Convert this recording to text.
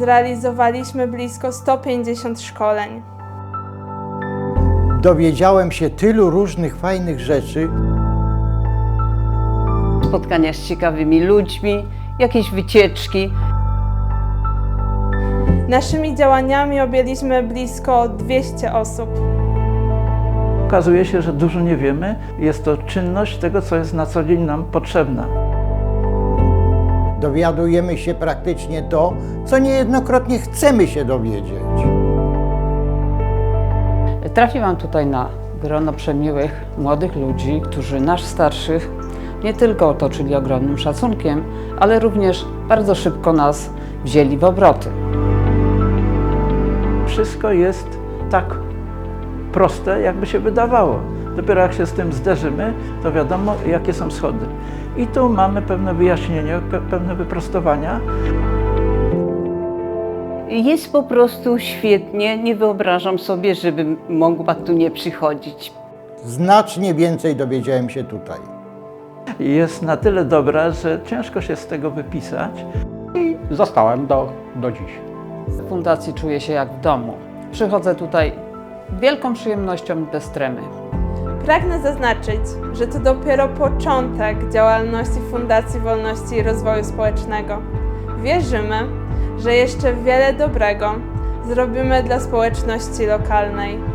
zrealizowaliśmy blisko 150 szkoleń. Dowiedziałem się tylu różnych fajnych rzeczy. Spotkania z ciekawymi ludźmi, jakieś wycieczki. Naszymi działaniami objęliśmy blisko 200 osób. Okazuje się, że dużo nie wiemy. Jest to czynność tego, co jest na co dzień nam potrzebna. Dowiadujemy się praktycznie to, co niejednokrotnie chcemy się dowiedzieć. Trafiłam tutaj na grono przemiłych, młodych ludzi, którzy nas starszych nie tylko otoczyli ogromnym szacunkiem, ale również bardzo szybko nas wzięli w obroty. Wszystko jest tak proste, jakby się wydawało. Dopiero jak się z tym zderzymy, to wiadomo, jakie są schody. I tu mamy pewne wyjaśnienie, pewne wyprostowania. Jest po prostu świetnie, nie wyobrażam sobie, żebym mogła tu nie przychodzić. Znacznie więcej dowiedziałem się tutaj. Jest na tyle dobra, że ciężko się z tego wypisać. Zostałem do dziś. W fundacji czuję się jak w domu. Przychodzę tutaj z wielką przyjemnością i bez tremy. Pragnę zaznaczyć, że to dopiero początek działalności Fundacji Wolności i Rozwoju Społecznego. Wierzymy, że jeszcze wiele dobrego zrobimy dla społeczności lokalnej.